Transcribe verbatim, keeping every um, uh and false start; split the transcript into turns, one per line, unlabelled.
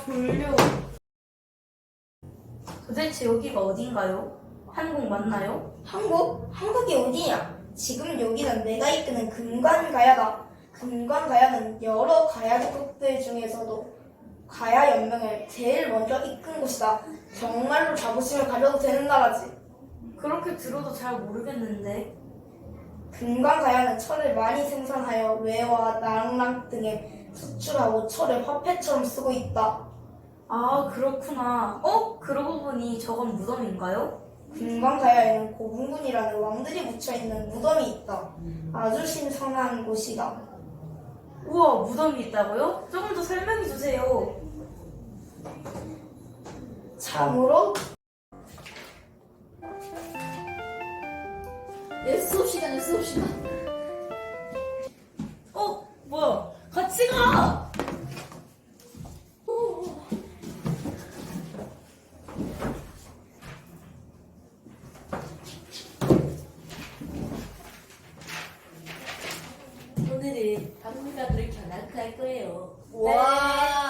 졸려. 도대체 여기가 어딘가요? 한국 맞나요?
한국? 한국이 어디냐? 지금 여기는 내가 이끄는 금관가야다. 금관가야는 여러 가야국들 중에서도 가야연맹을 제일 먼저 이끈 곳이다. 정말로 자부심을 가져도 되는 나라지.
그렇게 들어도 잘 모르겠는데.
금관가야는 철을 많이 생산하여 외와 나랑랑 등에 수출하고 철을 화폐처럼 쓰고 있다.
아, 그렇구나. 어? 그러고 보니 저건 무덤인가요?
금관가야에는 고분군이라는 왕들이 묻혀있는 무덤이 있다. 아주 신선한 곳이다.
우와, 무덤이 있다고요? 조금 더 설명해 주세요.
참으로
내 수업 시간에 수업 시간.
어? 뭐야? 같이 가!
오늘은 박물관으로 견학할 거예요.
와